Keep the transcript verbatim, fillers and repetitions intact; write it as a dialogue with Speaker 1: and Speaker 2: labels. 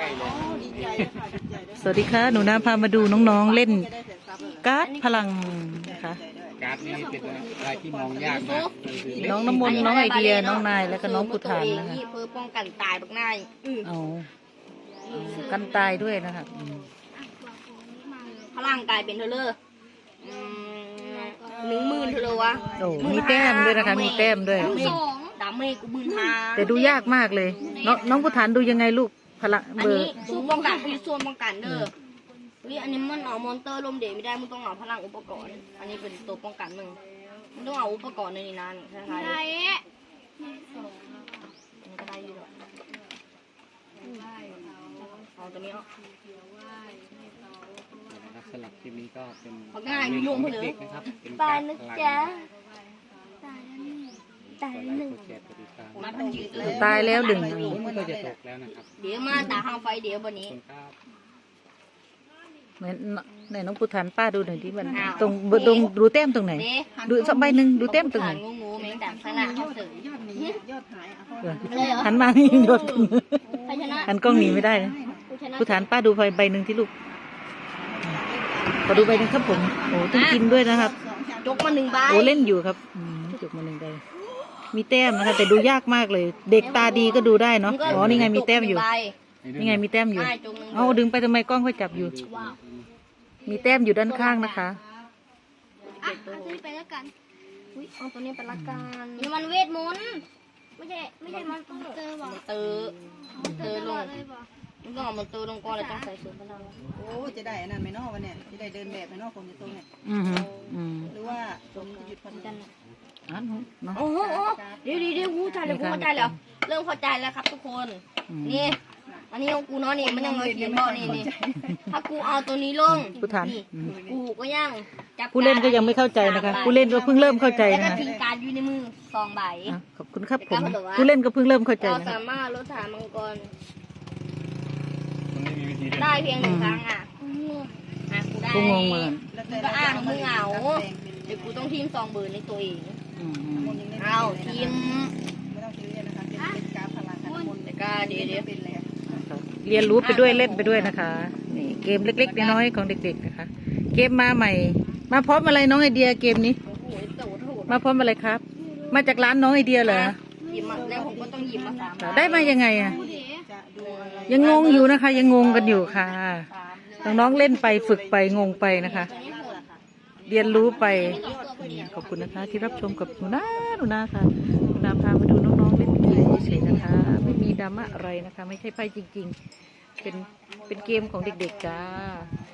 Speaker 1: สวัสดีค่ะหนูนาพามาดูน้องๆเล่นการ์ดพลังนะคะ
Speaker 2: การ์ดนี้เป็นอะไรที่มองยากมาก
Speaker 1: น้องน้ำมนต์น้องไอเดียน้องนายแล้วก็น้องพุทธานนะคะ
Speaker 3: เพื่อป้องกันตายบักนาย
Speaker 1: เอากันตายด้วยนะคะ
Speaker 3: พลังกายเป็นเธอเลยหนึ่งหมื่นเธอเลยวะ
Speaker 1: โอ้มีแต้มด้วยนะคะมีแต้มด้วย
Speaker 3: ดาเมจกูหมื่นห้า
Speaker 1: แต่ดูยากมากเลยน้องน้องพุทธานดูยังไงลูกพลัง
Speaker 3: อัน
Speaker 1: เบอ
Speaker 3: นี้
Speaker 1: ร์
Speaker 3: สู้ป้องกันคือส่วนป้องกันเด้อวิอันนี้มันเอามอนเตอร์ลมเดชไม่ได้มึงต้องเอาพลังอุปกรณ์อันนี้เป็นตัวป้องกันมึงมึงต้องเอาอุปกรณ์ในนี้นั่นใช่ไหมได้ก็ได้อยู่หรอกเอาตัวนี้เอา
Speaker 2: สลับคลิปนี้ก็เป็น
Speaker 3: ง่ายมีลุงเขาเลย
Speaker 2: นะครับเป็น
Speaker 3: ตายนะจ๊ะ
Speaker 2: ตายแล้วหนึ่ง
Speaker 3: มาเป็นยืดเลย
Speaker 1: ตายแล้วดึง
Speaker 2: มันก็จะตกแล้วนะครับ
Speaker 3: เดี๋ยวมาตาห้างไฟเดี๋ยววันนี้
Speaker 1: ไหนไหนน้องพุทธานป้าดูหน่อยที่มันตรงตรงดูแต้มตรงไหนดูสักใบหนึ่งดูแต้มตรงไหน
Speaker 3: งูงูแมงดาสลัดเขาเถอะ
Speaker 1: หันมานี่ยศ
Speaker 3: ใครชนะ
Speaker 1: หันกล้องหนีไม่ได้นะพุทธานป้าดูใบหนึ่งที่ลูกขอดูใบหนึ่งครับผมโอ้ต้องกินด้วยนะครับ
Speaker 3: จกมาหนึ่งใบ
Speaker 1: โอ้เล่นอยู่ครับจบมาหนึ่งใบมีแต้มนะคะแต่ดูยากมากเลย เด็กตาดีก็ดูได้เนาะอ๋อนี่ไงมีแต้มอยู่นี่ไงมีแต้มอยู่เอาดึงไปทำไมกล้องค่อยจับอยู่ มีแต้มอยู่ด้านข้างนะคะ
Speaker 3: อ่ะเอาตัวนี้ไปแล้วกันอุ้ยเอาตัวนี้ไปละกันนี่มันเวทมนต์ไม่ใช่ไม่ใช่มันต้องเตอร์บอกเตอร์เตอร์ลงมันต้องเอามันเตอร์ลงก่อนแล้วต้องใส่สูตรพลัง
Speaker 4: โอ้จะได้อันนั้นไหมนอกวันเนี่ยจะได้เดินแบบไหมนอกคนจะตรงเนี่ย
Speaker 1: อืมอืม
Speaker 4: หรือว่าผมจะหยุดพันกัน
Speaker 1: อันเนาะ
Speaker 3: โอ้โหเดี๋ยวเดี๋ยวเดี๋ยวกูใจแล้วกูเข้าใจแล้วเริ่มเข้าใจแล้วครับทุกคนนี่อันนี้ของกูเนาะนี่มันยังมาเขียนบอกนี่นี่ถ้ากูเอาตัวนี้ลง
Speaker 1: ผู้ทาน
Speaker 3: กูก็ยังจับ
Speaker 1: ผู้เล่นก็ยังไม่เข้าใจนะคะผู้เล่นก็เพิ่งเริ่มเข้าใจ
Speaker 3: แล้ว
Speaker 1: นะ
Speaker 3: ก็
Speaker 1: คะ
Speaker 3: ทิ้งการอยู่ในมือสองใบ
Speaker 1: ขอบคุณครับผมผู้เล่นก็เพิ่งเริ่มเข้าใจ
Speaker 3: เรา
Speaker 1: นะ
Speaker 3: สามารถลดฐานมังกร
Speaker 2: มันไม่มีวิธีเล่น
Speaker 3: ได้เพียงหนึ่งครั้งอ่ะอ่ะกูได้
Speaker 1: กูงงเหมือน
Speaker 3: ก็อ้างมึงเอาเดี๋ยวกูต้องทีมสองเบอร์ในตัวเองเอาทีม
Speaker 4: ไม่ต้องซีเรียสนะคะเป็นเป็นการพลังกันมน
Speaker 3: แต่ก็เดี๋ยวเดี๋ยว
Speaker 4: เป็นเลย
Speaker 1: เรียนรู้ไปด้วยเล่นไปด้วยนะคะนี่เกมเล็กๆน้อยๆของเด็กๆนะคะ เกมมาใหม่ มาพร้อมอะไรน้องไอเดียเกมนี้
Speaker 3: โอ้โหโตโถ
Speaker 1: มาพร้อมอะไรครับ มาจากร้านน้องไอเดียเหรอ
Speaker 3: หยิบมาแล้วผมก็ต้องหยิบมาสาม
Speaker 1: ได้มายังไงอ่ะ
Speaker 4: จะดูอะไร
Speaker 1: ยังงงอยู่นะคะ ยังงงกันอยู่ค่ะน้องๆเล่นไปฝึกไปงงไปนะคะ เรียนรู้ไปขอบคุณนะคะ ที่รับชมกับหนูนาหนูนาค่ะหนูนาพามาดูน้องๆเล่นเกมเฉยๆนะคะ ไม่มีดราม่าอะไรนะคะ ไม่ใช่ไพ่จริงๆ เป็นเป็นเกมของเด็กๆจ้า